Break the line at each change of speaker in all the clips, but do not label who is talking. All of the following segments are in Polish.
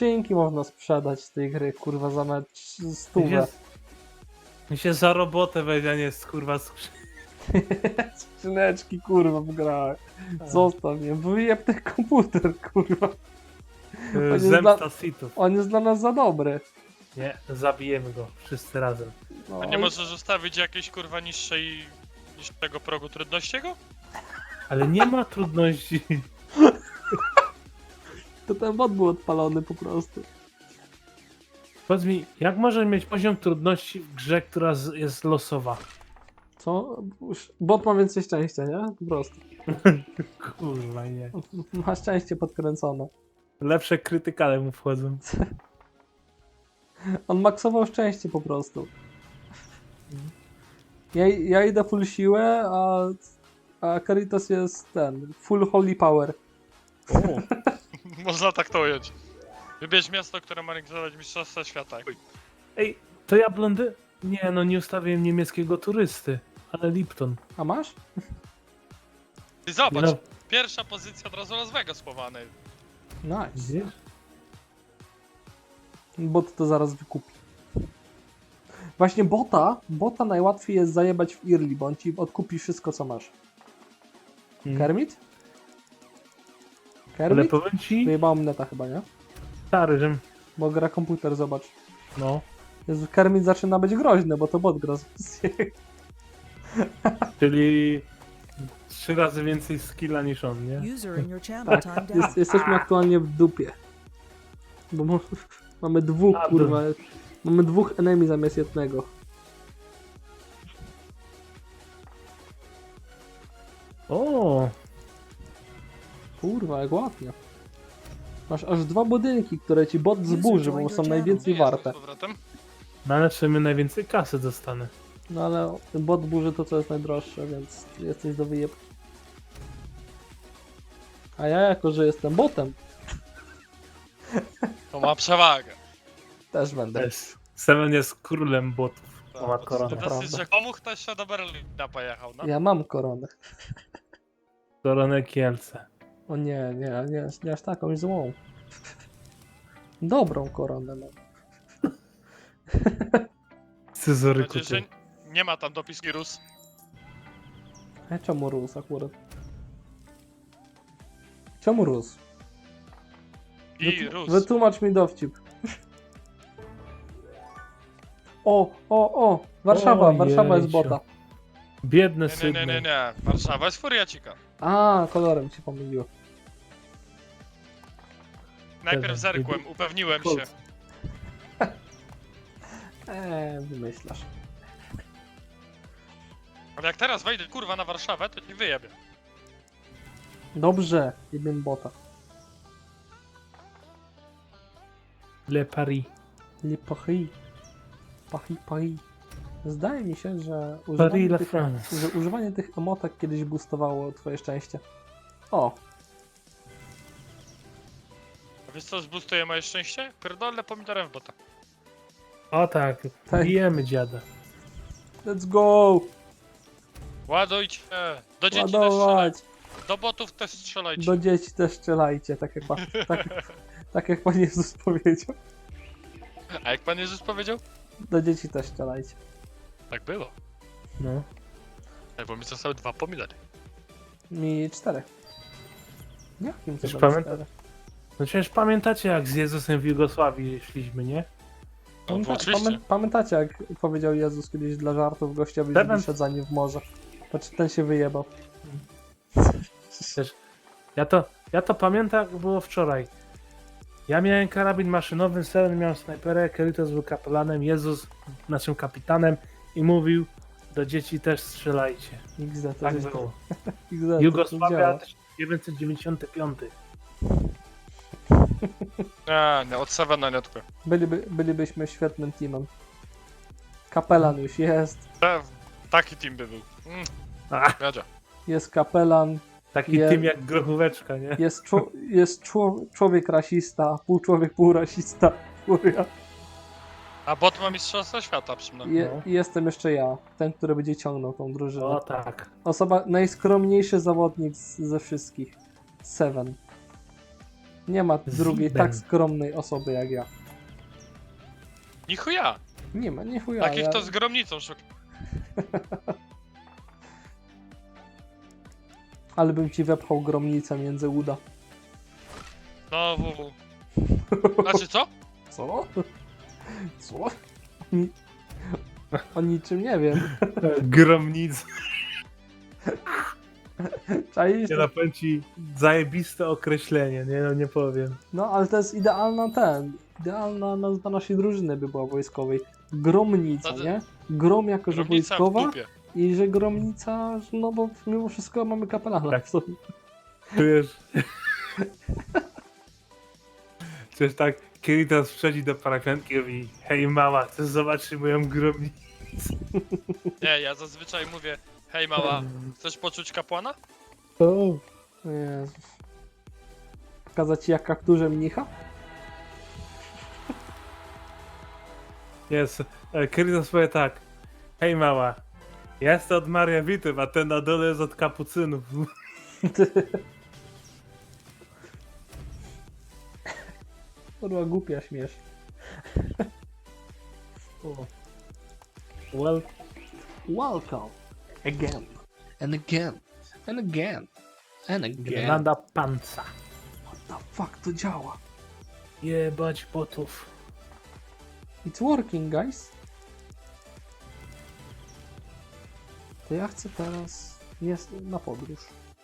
skrzynki można sprzedać z tej gry, kurwa, za mecz 100.
Mi się za robotę weźmie, a nie kurwa
Skrzyneczki, kurwa, w grach. Zostaw mnie, wyjeb ten komputer, kurwa. jest
Zemsta sitów.
On jest dla nas za dobry.
Nie, zabijemy go wszyscy razem.
No,
A nie możesz ustawić jakiejś kurwa niższego progu trudnościego?
Ale nie ma trudności.
To ten bot był odpalony po prostu.
Powiedz mi, jak możesz mieć poziom trudności w grze, która jest losowa?
Co? Bot ma więcej szczęścia, nie? Po prostu.
Kurwa nie.
Ma szczęście podkręcone.
Lepsze krytykale mu wchodzą.
On maksował szczęście po prostu. Ja idę full siłę, a Caritas jest ten, full holy power.
Można tak to ująć. Wybierz miasto, które ma realizować mistrzostwa świata.
Ej, to ja blondy... Nie no, nie ustawiłem niemieckiego turysty. Ale Lipton.
A masz?
I zobacz,
Nie no.
pierwsza pozycja od razu Las Vegas słowany.
Nice.
Widzisz?
Bot to zaraz wykupi. Właśnie bota najłatwiej jest zajebać w early, bo on ci odkupi wszystko, co masz. Kermit?
Ale
Kermit?
powiem ci,
Wyjebałem neta chyba, nie?
stary, że...
Bo gra komputer, zobacz.
No.
Jezu, Kermit zaczyna być groźny, bo to bot gra z
Czyli... 3 razy więcej skilla niż on, nie?
User in your channel
Tak,
timed out.
jesteśmy aktualnie w dupie. Bo mamy dwóch,
A,
kurwa. Mamy dwóch enemy zamiast jednego.
O,
Kurwa, jak ładnie. Masz aż 2 budynki, które ci bot zburzy, bo są najwięcej warte.
Z powrotem?
no ale w sumie najwięcej kasy dostanę.
No ale ten bot burzy to, co jest najdroższe, więc jesteś do wyjeb. A ja, jako że jestem botem,
To ma przewagę.
też będę.
Seven jest królem botów.
Tak,
O, ma
bo
koronę.
to dosyć,
Prawda.
że komu ktoś się do Berlina pojechał, no?
Ja mam koronę.
Koronę Kielce.
O nie aż taką złą. Dobrą koronę mam.
Scyzoryku
Mam nadzieję,
ty.
że nie ma tam dopiski Rus.
A czemu rósł akurat? Czemu rósł?
I Rus.
Wytłumacz mi dowcip. O! Warszawa,
O
Warszawa jest
jejciu.
bota.
Biedny
Nie,
Sydney.
nie. Warszawa jest furiacika.
A, kolorem się pomyliło.
Najpierw
Dobra,
zerkłem, upewniłem się.
Colt.
Wymyślasz.
Ale jak teraz wejdę kurwa na Warszawę, to ci wyjebię.
Dobrze, jeden bota.
Le Paris.
Le Paris. Paris. Zdaje mi się, że
Paris la France.
używanie tych emotek kiedyś boostowało twoje szczęście. O,
A wiesz co zboostuje moje szczęście? Pierdolę pomidorem w bota.
O tak,
Tak.
bijemy dziada.
let's go!
Ładujcie! Do dzieci też
Ładować!
strzelajcie. Do botów też strzelajcie.
Do dzieci też strzelajcie, tak jak Pan Jezus powiedział.
A jak Pan Jezus powiedział?
Do dzieci też strzelajcie.
Tak było.
No.
Ej, bo mi zostały 2 pomidory.
Mi 4. Jakim
Już
cudem
pamiętam.
4?
No przecież pamiętacie jak z Jezusem w Jugosławii szliśmy, nie?
No, bo oczywiście.
Pamiętacie, jak powiedział Jezus kiedyś dla żartów gościowi, że
Pewien-
wyszedł za nim w morze? Patrz, ten się wyjebał.
Przecież ja to pamiętam jak było wczoraj. Ja miałem karabin maszynowy, Seven miał snajperę, Keritos był kapelanem, Jezus naszym kapitanem i mówił do dzieci też strzelajcie.
XD to
Tak
jest
było.
XD, to
Jugosławia
działa.
1995.
Nie, od Sevena nie odpływ.
Bylibyśmy świetnym teamem. Kapelan już jest.
Taki team by był.
Ach,
Jadzia.
Jest kapelan.
taki tym jak grochóweczka, nie?
Jest człowiek rasista. Pół człowiek, pół rasista. Furia.
A bot ma mistrzostwo świata przynajmniej.
I jestem jeszcze ja. Ten, który będzie ciągnął tą drużynę.
O tak.
Osoba, najskromniejszy zawodnik ze wszystkich. Seven. Nie ma drugiej
Zibem.
tak skromnej osoby jak ja.
Ni chuja.
Nie ma, nie chuja.
Takich
ja...
to z gromnicą szuka.
Ale bym ci wepchał gromnicę między uda.
No, Znaczy co?
Co? Co? O niczym nie wiem.
Gromnic.
Czaisz?
Nie napędzi ci zajebiste określenie, nie, no nie powiem.
No, ale to jest idealna nazwa naszej drużyny by była wojskowej. Gromnica,
No to-
nie? Grom jako, że
Gromnica w
wojskowa
dupie.
i że gromnica, no bo mimo wszystko mamy kapelana.
Tak.
w sobie.
Czujesz? Czujesz tak, Kiritas wchodzi do parafianki i mówi: hej mała, chcesz zobaczyć moją gromnicę?
Nie, ja zazwyczaj mówię, hej mała, chcesz poczuć kapłana?
O,
Jezus. Pokazać ci jak kapturze mnicha?
jest. Kiritas powie tak: hej mała, ja jestem od Maria Witów, a ten na dole jest od kapucynów.
Kurwa głupia śmiesz.
Well,
Welcome. Again. And again. And again. And again.
Girlanda panca.
What the fuck to działa?
Jebać botów.
It's working, guys. To ja chcę teraz jest na podróż.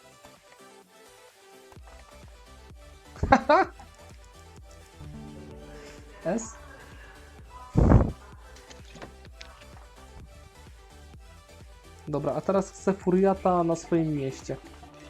S? Dobra, a teraz chcę furiata na swoim mieście.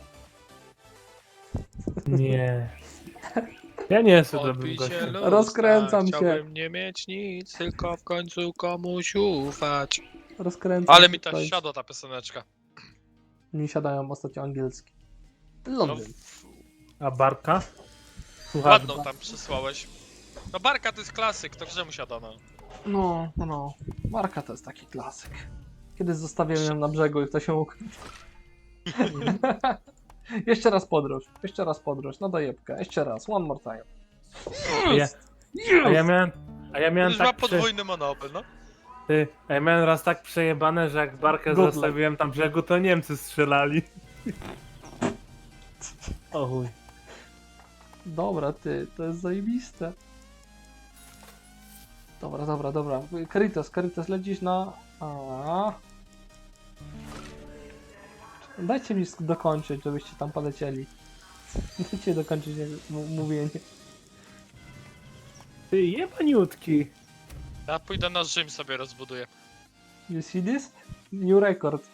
Nie. Ja nie jestem dobrym
Odbij
gościem.
się lustra,
Rozkręcam się.
Chciałbym nie mieć nic, tylko w końcu komuś ufać.
Rozkręcam
Ale
się
mi ta
tutaj.
siadła ta pioseneczka.
Mi siadają ostatnio angielski.
No,
Londyn.
A Barka? Słuchaj,
ładną tam przysłałeś. No Barka to jest klasyk, to grze mu siada, no.
No. Marka to jest taki klasyk. Kiedyś zostawiłem ją na brzegu i to się ukrył. Jeszcze raz podróż, na dojebkę, jeszcze raz, one more time.
a ja miałem
To już ma
tak
podwójny monopol, no.
a ja miałem raz tak przejebane, że jak Barkę
Good luck.
zostawiłem tam brzegu, to Niemcy strzelali. O chuj.
Dobra, ty, to jest zajebiste. Dobra. Karitas, lecisz na... A. Dajcie mi dokończyć, żebyście tam polecieli. Dajcie dokończyć mówienie.
Ty jebaniutki.
Ja pójdę na Rzym sobie rozbuduję.
You see this? New record.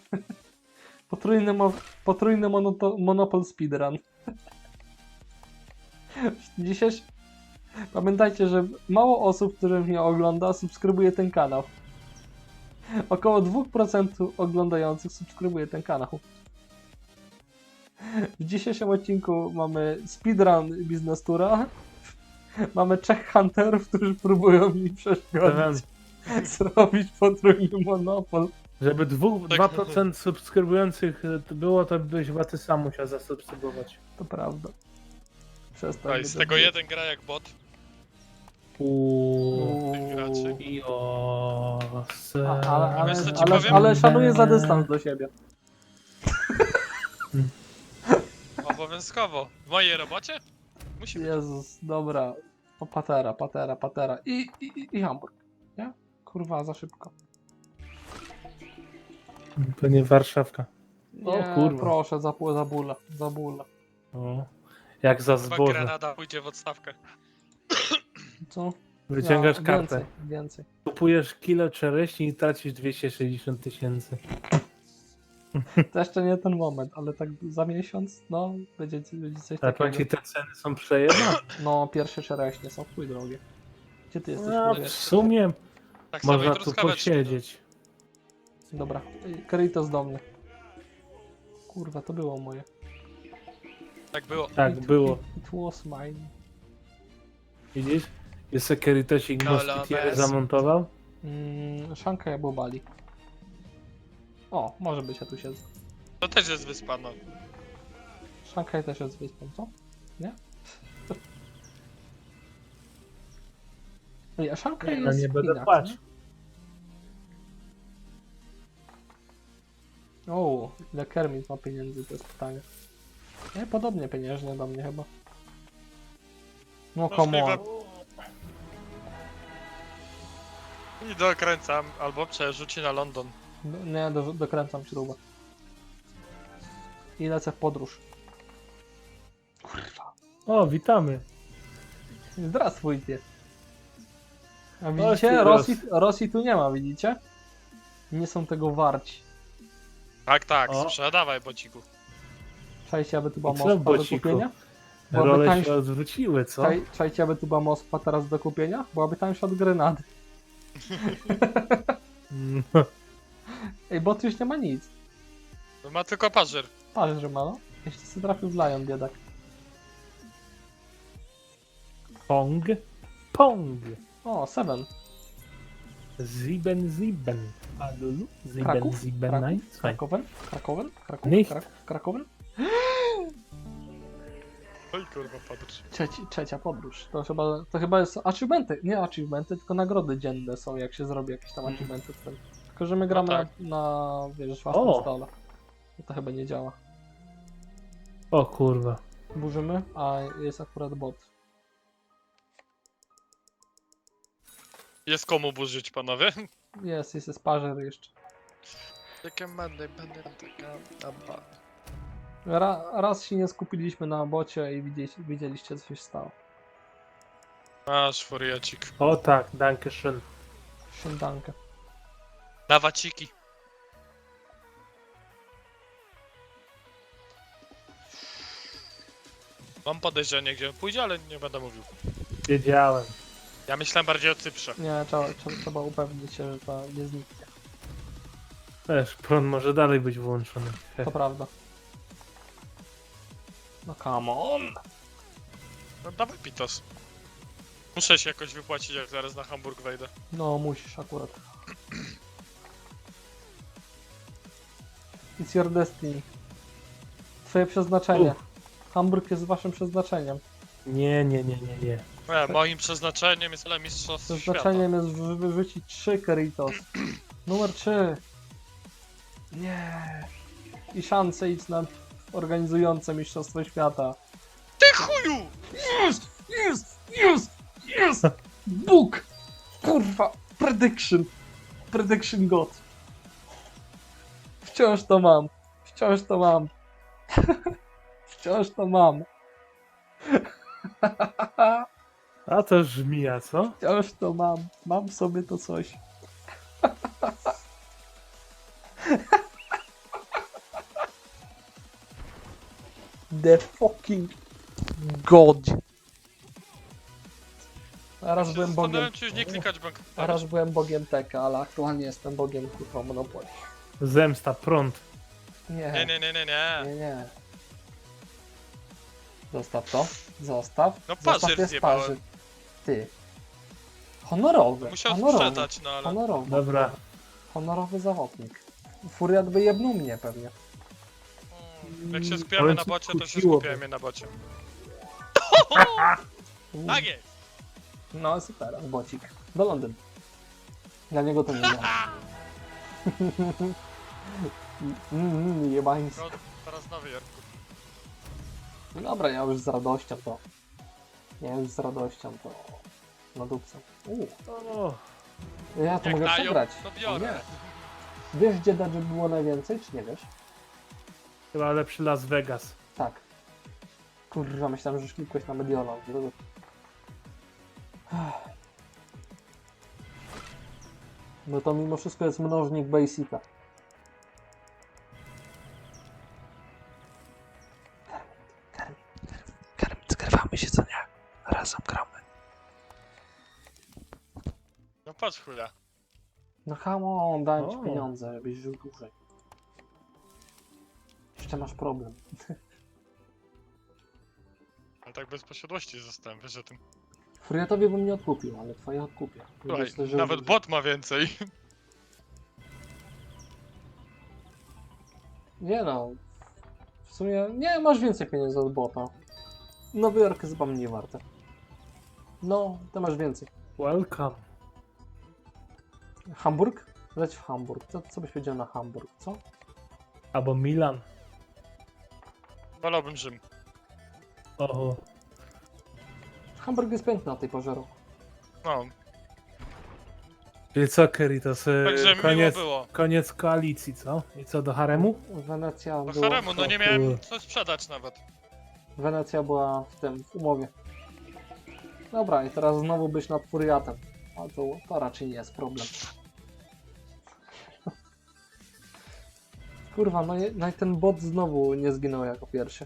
Potrójny monopol speedrun. Dzisiejszy... Pamiętajcie, że mało osób, które mnie ogląda, subskrybuje ten kanał. Około 2% oglądających subskrybuje ten kanał. W dzisiejszym odcinku mamy speedrun Business Toura. Mamy 3 hunterów, którzy próbują mi przeszkodzić. Zrobić potrójny monopol.
Żeby
Tak.
2% subskrybujących było, to byś chyba ty sam musiał zasubskrybować.
To prawda. Przestań.
Oj,
mnie
z tego
zabijać.
jeden gra jak bot. tych graczy. Wiesz, co ci powiem?
Ale szanuję za dystans do siebie.
Obowiązkowo. W mojej robocie? Musi być.
Jezus, dobra. O, patera. I Hamburg. Nie? Kurwa, za szybko.
To nie Warszawka. O
Nie,
kurwa.
proszę, za bóle.
O, jak za
Chyba
zboże.
Grenada pójdzie w odstawkę.
Co?
Wyciągasz
No,
kartę.
Więcej.
Kupujesz kilo czereśni i tracisz 260 000.
To jeszcze nie ten moment, ale tak za miesiąc, no, będzie coś
Ale
takiego.
powiem ci, te ceny są przejebane.
No, pierwsze czereśnie są chuj drogie. Gdzie ty jesteś?
No,
chuj?
w sumie
Tak samo
można
i
tu
truskaweczki.
posiedzieć.
Dobra, Karitos do mnie. Kurwa, to było moje.
Tak było.
Tak, było.
It was mine.
Widzisz? Jest securitosik
No,
moskitiery
bez.
zamontował.
Szanka albo Bali. O, może być, ja tu siedzę.
To też jest wyspa, no.
Szanghaj też jest wyspą, co? Nie? Ej, a szanka
Nie,
jest
no nie
w
będę
Chinach,
płacz.
nie? O, ile Kermit ma pieniędzy, to jest pytanie. Nie, podobnie pieniężnie do mnie chyba. No come on.
I dokręcam, albo przerzuci na London.
Nie, dokręcam śrubę. I lecę w podróż. Kurwa.
O, witamy.
Zdrawstwujcie. A
ty
widzicie?
ros.
Rosji tu nie ma, widzicie? Nie są tego warci.
Tak,
O.
sprzedawaj, bociku.
Czajcie, aby tu była
I co,
Moskwa do
bociku?
kupienia? Byłaby
Role
tańsza-
się odwróciły, co?
Czajcie, aby tu była Moskwa teraz do kupienia? Byłaby tańsza od Grenady.
Mm,
Ej, bo tu już nie ma nic.
No ma tylko pażer.
Patrz, że ma, no. Jeszcze sobie trafił w Lion, biedak.
Pong. Pong.
O, Seven.
Ziben. Alulu. Ziben,
Kraków?
Ziben.
Kraków?
Nice.
Krakowen?
Nicht.
Krakowen?
Oj kurwa, podróż.
Trzecia podróż. To chyba jest achievementy. Nie achievementy, tylko nagrody dzienne są, jak się zrobi jakieś tam achievementy. Tylko, że my gramy
tak.
na wiesz, własnym
O!
stole. To chyba nie działa.
O kurwa.
Burzymy, a jest akurat bot.
Jest komu burzyć, panowie?
Jest parzer jeszcze.
Jakie będę taka daba.
Raz się nie skupiliśmy na bocie i widzieliście, co się stało.
Masz furiacik.
O tak, danke schön.
Szyndankę.
Dawaciki. Mam podejrzenie, gdzie on pójdzie, ale nie będę mówił.
Wiedziałem.
Ja myślałem bardziej o Cyprze.
Nie, trzeba upewnić się, że to nie zniknie.
Wiesz, prąd może dalej być włączony.
To prawda. No come on!
No dawaj Pitos. Muszę się jakoś wypłacić, jak zaraz na Hamburg wejdę.
No, musisz akurat. It's your destiny. Twoje przeznaczenie. Hamburg jest waszym przeznaczeniem.
Nie.
Moim przeznaczeniem jest ale mistrzostw świata.
Przeznaczeniem jest wyrzucić 3 Keritos. Numer 3. Nie. I szanse idź na organizujące Mistrzostwo Świata.
Ty chuju!
Yes! Bóg! Kurwa! Prediction God. Wciąż to mam. Wciąż to mam.
A to żmija, co?
Wciąż to mam. Mam w sobie to coś. The fucking God. A raz byłem bogiem.
Zastanawiam się już nie klikać bank.
A raz byłem bogiem Teka, ale aktualnie jestem bogiem kurwa Monopoly.
Zemsta, prąd.
Nie.
Nie. Zostaw to. Zostaw.
No
Zostaw
parzy
te
zjebałem.
sparzy. Ty. Honorowy.
Musiał
honorowy.
sprzedać, no ale...
Honorowy.
Dobra.
Honorowy zawodnik. Furiat by jebnął mnie pewnie.
Jak się skupiamy
Powiem
na
ci,
bocie, to się
kusiłoby.
skupiamy na bocie.
Uuu.
Tak jest!
No super, bocik. Do Londynu. Dla niego to nie ma. Jebański.
No, teraz nowy Jarku.
Dobra, ja już z radością to. Na dupce.
O,
Ja to
Jak
mogę
dają,
przegrać.
to
O
biorę.
nie. Wiesz, gdzie Dodge było najwięcej, czy nie wiesz?
chyba lepszy Las Vegas.
Tak. Kurwa, myślałem, że już klikłeś na Mediolan. No to mimo wszystko jest mnożnik Basica. Kermit, zgrywamy się, co nie? Razem gramy.
No patrz chwilę.
No come on, dałem ci
O.
pieniądze, żebyś żył dłużej. Jeszcze masz problem.
No tak bez posiadłości zostałem, wiesz o tym.
Furiatowi bym nie odkupił, ale twoje odkupię.
Słuchaj,
Będziesz też żył
nawet
dłużej.
bot ma więcej.
Nie no. W sumie nie, masz więcej pieniędzy od bota. Nowy Jork jest chyba mniej warte. No, ty masz więcej.
Welcome.
Hamburg? Leć w Hamburg. Co byś powiedział na Hamburg, co?
Albo Milan.
Wolałbym Rzym.
Oho.
Hamburg jest piękny na tej porze roku.
No,
Czyli co, Keritos?
także miło było.
Koniec koalicji, co? I co, do haremu?
Wenecja
Do
była,
haremu, no nie miałem co sprzedać nawet.
Wenecja była w umowie. Dobra, i teraz znowu być nad Furiatem. A to raczej nie jest problem. Kurwa, no i ten bot znowu nie zginął jako pierwszy.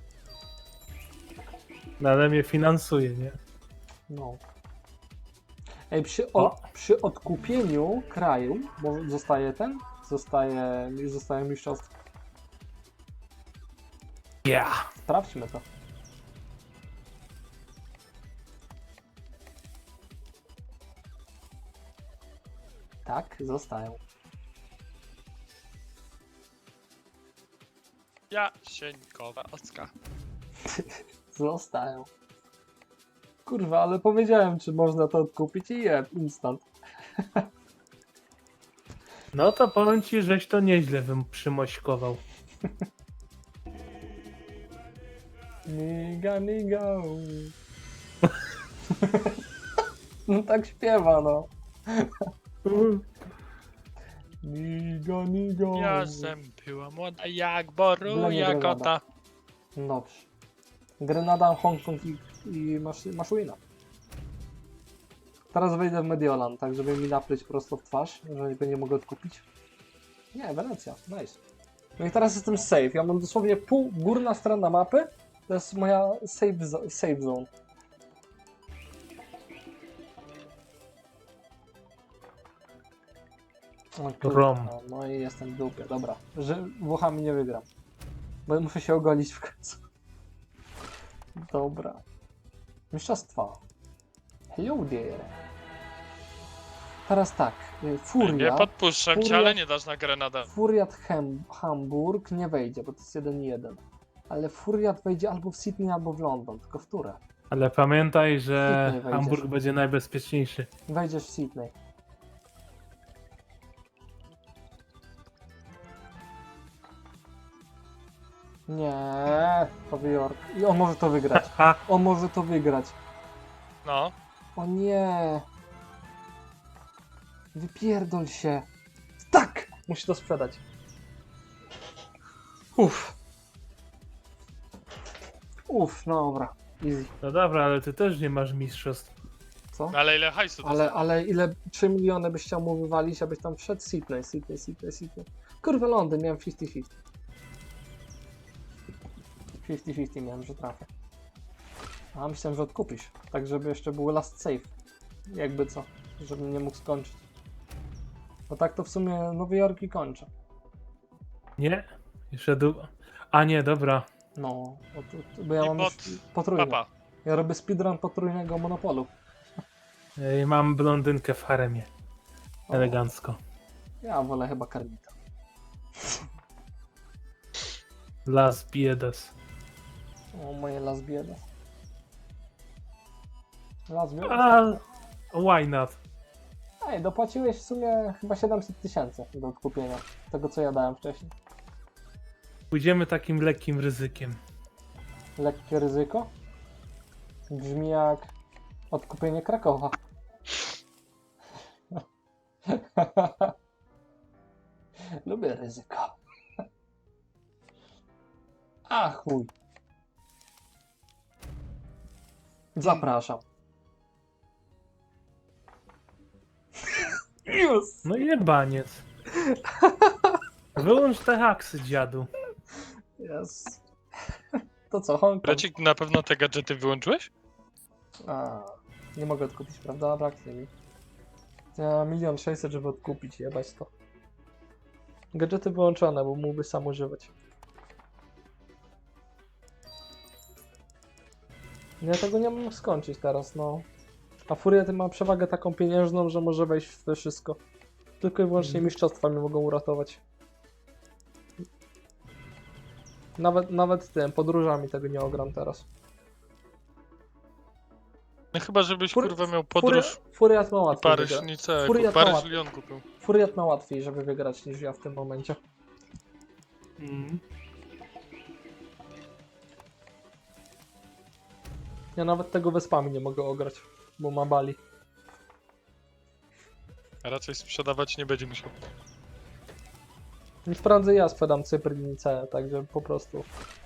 No ale mnie finansuje, nie?
No. Ej,
O.
przy odkupieniu kraju, bo zostaje mistrzostwo.
Yeah.
Sprawdźmy to. Tak, zostają.
Jasieńkowa Ocka.
Zostają. Kurwa, ale powiedziałem, czy można to odkupić i instant.
No to powiem ci, żeś to nieźle przymośkował.
Niga, niga. No tak śpiewa, no. Niga, niga.
Jasem była młoda jak boru,
Dla mnie
jak
Grenada.
ota.
Dobrze. Grenada, Hongkong i Maszuina. Teraz wejdę w Mediolan, tak żeby mi napryć prosto w twarz, że go nie mogę odkupić. Nie, Wenecja, nice. No i teraz jestem safe. Ja mam dosłownie górna strona mapy. To jest moja safe zone. O, kurwa,
Rom.
no i jestem w dupie, dobra. Że Włochami nie wygram. Bo muszę się ogolić w końcu. Dobra. Mistrzostwa. Hello there. Teraz tak.
Nie
Furia.
podpuszczam cię,
Furia-
ale nie dasz na Grenadę.
Furiat Hamburg nie wejdzie, bo to jest 1-1. Ale Furiat wejdzie albo w Sydney, albo w London. Tylko w które?
Ale pamiętaj, że
Sydney wejdziesz.
Hamburg będzie najbezpieczniejszy.
Wejdziesz w Sydney. Nie, Nowy Jork. I on może to wygrać.
Ha!
On może to wygrać.
No,
O nie. Wypierdol się. Tak! Musi to sprzedać. Uff. Uff, no dobra. Easy.
No dobra, ale ty też nie masz mistrzostw.
Co?
no ale ile hajsu dostał?
Ale ile 3 miliony byś chciał mu wywalić, abyś tam wszedł? Sydney. Kurwa, Londyn, miałem 50-50. 50-50 miałem, że trafię. A myślałem, że odkupisz. Tak, żeby jeszcze był last save. Jakby co. Żebym nie mógł skończyć. Bo tak to w sumie Nowy Jork i kończę.
Nie? Jeszcze długo. A nie, dobra.
No, bo ja
I
mam
pod
już potrójny.
Papa.
Ja robię speedrun potrójnego monopolu.
Mam blondynkę w haremie.
O,
Elegancko.
ja wolę chyba Karmita.
Las Biedas.
O, moje las bieda. Las bieda.
A, why not?
Ej, dopłaciłeś w sumie chyba 700 000 do odkupienia tego, co ja dałem wcześniej.
Pójdziemy takim lekkim ryzykiem.
Lekkie ryzyko? Brzmi jak odkupienie Krakowa. Lubię ryzyko. A chuj. Zapraszam. Już.
No jebaniec. Wyłącz te haksy, dziadu.
Yes. To co, Hongkong?
Brecik, na pewno te gadżety wyłączyłeś?
A, nie mogę odkupić, prawda? Braknie mi. Ja 1 600 000, żeby odkupić, jebać to. Gadżety wyłączone, bo mógłby sam używać. Ja tego nie mam skończyć teraz, no. A Furiat ma przewagę taką pieniężną, że może wejść w wszystko. Tylko i wyłącznie mistrzostwa mnie mogą uratować. Nawet tym, podróżami tego nie ogram teraz.
No chyba, żebyś
Fur-
kurwa miał podróż
Furiat ma
i
łatwiej
Paryż,
wygrać.
nic,
Furiat ma
Paryż
łatwiej.
Lyon kupił.
Furiat ma łatwiej, żeby wygrać niż ja w tym momencie.
Mm.
Ja nawet tego Wyspami nie mogę ograć, bo ma Bali.
A raczej sprzedawać nie będzie musiał.
Już prędzej ja sprzedam Cypr i C, także po prostu.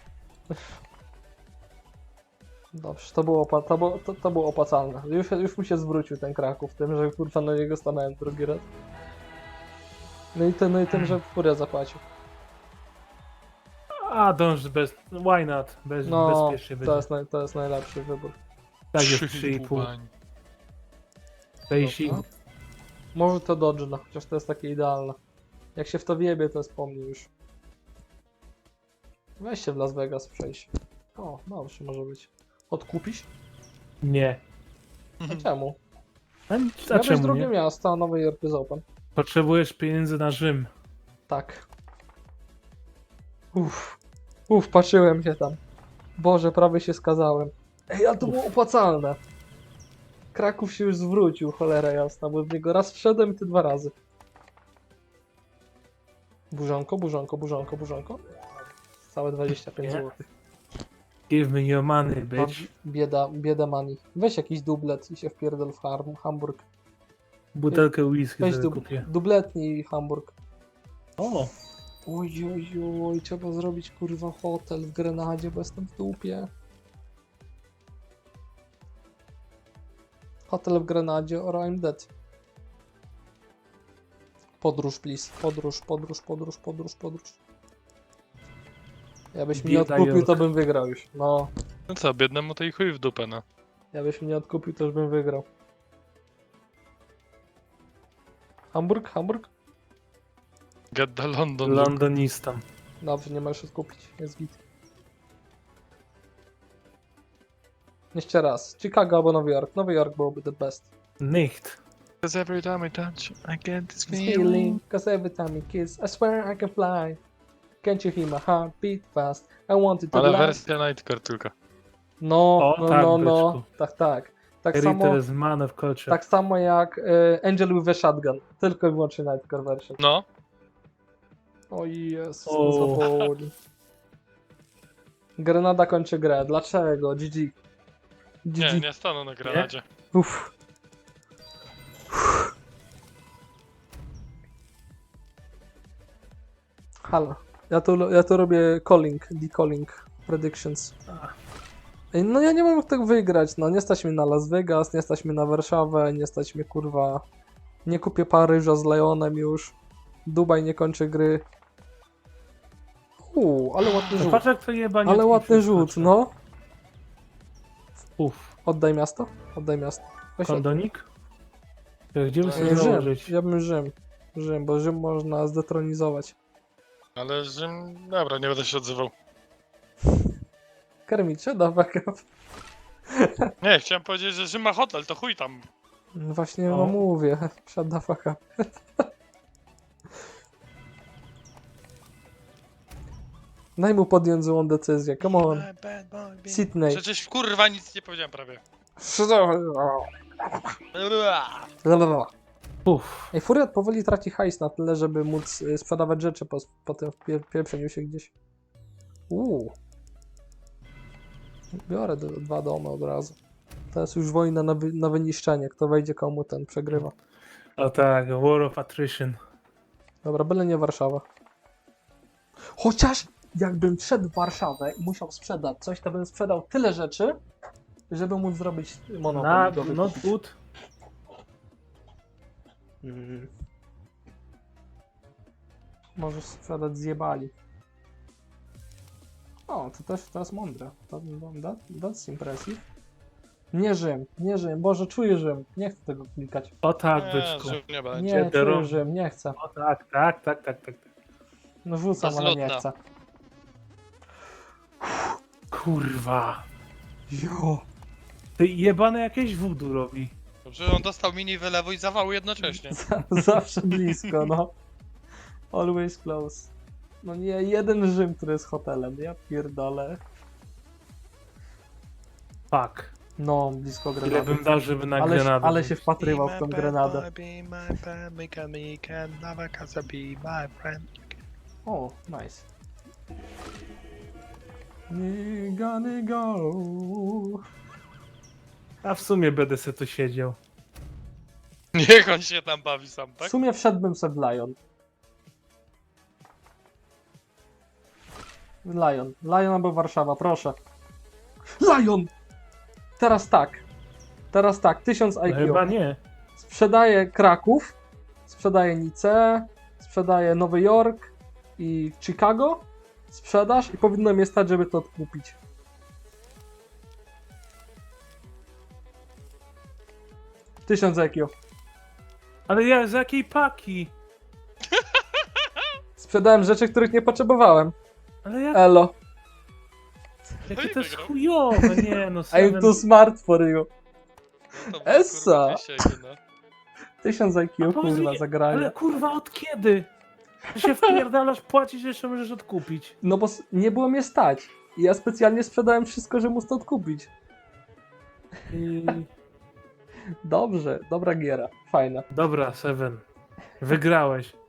Dobrze, to było opłacalne. Już mi się zwrócił ten Kraków tym, że kurwa na niego stanąłem drugi raz. No i tym, że Furia zapłacił.
A dąż bez. Why not? Bezpiecznie będzie.
To jest najlepszy wybór.
Tak jest 3,5. Basic.
Dobra. Może to Dodge, chociaż to jest takie idealne. Jak się w to wjebie, to jest po mnie już. Weź się w Las Vegas przejść. O, dobrze, może być. Odkupić?
Nie.
A czemu?
A
Miałeś
czemu
drugie
nie?
miasto, a Nowy Jork jest open.
Potrzebujesz pieniędzy na Rzym.
Tak. Patrzyłem się tam. Boże, prawie się skazałem. Ej, a to było opłacalne. Kraków się już zwrócił, cholera jasna, bo w niego raz wszedłem i ty 2 razy. Burzonko. Całe 25
Nie.
zł.
Give me your money, bitch.
Bieda money. Weź jakiś dublet i się wpierdol w Hamburg.
Butelkę whisky
Weź
sobie kupię.
dubletnij Hamburg.
O!
Oj, trzeba zrobić kurwa hotel w Grenadzie, bo jestem w dupie. Hotel w Grenadzie or I'm dead. Podróż, please. Podróż. Jakbyś mnie
Bieda
odkupił,
York.
to bym wygrał już. No,
No co, biednemu to i chuj w dupę, no.
jakbyś mnie odkupił, to już bym wygrał. Hamburg?
Get the London.
Londonistan.
Dobrze, nie możesz odkupić, jest git. Jeszcze raz, Chicago albo Nowy Jork. Nowy Jork byłoby the best.
Nicht.
Because every time I touch, I get this
Feeling, cause every time we kiss, I swear I can fly. Can't you hear my heart beat fast? I want it to
Ale
last.
wersja Nightcore tylko.
No.
byczku.
Tak. Tak
Ritter
samo,
is man of culture.
tak samo jak Angel with a Shotgun. Tylko i wyłącznie Nightcore version.
No,
O Jezus,
O.
zaboli. Grenada kończy grę. Dlaczego? GG.
nie stanę na granadzie.
Uff. Halo. Ja tu robię decalling predictions. Ej, no ja nie mam jak tego wygrać, no nie stać mnie na Las Vegas, nie stać mnie na Warszawę, nie stać mnie kurwa. Nie kupię Paryża z Leonem już. Dubaj nie kończy gry. Ale ładny
No
rzut.
patrz jak to jebanie.
Ale ładny rzut, no.
Uff.
Oddaj miasto. Weź
Kondonik? Gdzie by
Nie,
sobie
Rzym.
założyć?
Ja bym Rzym, bo Rzym można zdetronizować.
Ale Rzym... Dobra, nie będę się odzywał.
Kermicie, da backup.
Nie, chciałem powiedzieć, że Rzym ma hotel, to chuj tam.
No właśnie
O.
mówię, shut the fuck up. Daj mu podjąć złą decyzję, come on. Sydney.
Przecież kurwa nic nie powiedziałem prawie.
Uff.
Ej, Furiat powoli traci hajs na tyle, żeby móc sprzedawać rzeczy po tym pieprzeniu się gdzieś. Biorę 2 domy od razu. To jest już wojna na wyniszczenie. Kto wejdzie komu, ten przegrywa.
O tak, War of Attrition.
Dobra, byle nie Warszawa. Chociaż jakbym wszedł w Warszawę i musiał sprzedać coś, to bym sprzedał tyle rzeczy, żeby móc zrobić monopol. go
Not
wykupić.
good.
Możesz sprzedać zjebali. O, to jest mądre. That's impressive. Nie Rzym. Boże, czuję Rzym. Nie chcę tego klikać.
O tak,
Nie,
byczku.
Rzym nie będzie.
Nie, czuję
Derom.
Rzym, nie chcę.
O tak.
No rzucam, ale nie
Bezludna.
chcę.
Kurwa.
Jo.
Ty jebane jakieś voodoo robi.
Dobrze, on dostał mini wylewu i zawału jednocześnie.
Zawsze blisko, no. Always close. No nie, jeden Rzym, który jest hotelem. Ja pierdolę.
Fuck.
No, blisko
Ile
grenady.
bym dał, żeby na
Ale,
grenadę.
ale się wpatrywał w tą grenadę. O, nice. We gonna go.
A w sumie będę se tu siedział.
Niech on się tam bawi sam,
W
tak?
sumie wszedłbym sobie w Lion. Lion albo Warszawa, proszę. Lion! Teraz tak, 1000
No
IQ.
chyba nie.
Sprzedaję Kraków, sprzedaję Nicę, sprzedaję Nowy Jork i Chicago. Sprzedaż i powinno mnie stać, żeby to odkupić. Tysiąc IQ.
Ale ja z jakiej paki?
Sprzedałem rzeczy, których nie potrzebowałem.
Ale jak?
Elo.
Jakie
i
to jest
wygrał.
chujowe, nie no.
I'm
Seven...
too smart for you.
To było,
Essa.
kurwa, dzisiaj, no.
1000
A
IQ,
powiedz
kurwa,
mi,
zagranie.
Ale kurwa, od kiedy? Ty się wpierdalasz, płacisz, jeszcze możesz odkupić.
No bo nie było mnie stać. I ja specjalnie sprzedałem wszystko, żeby móc to odkupić.
I...
Dobrze, dobra giera. Fajna.
Dobra, Seven. Wygrałeś.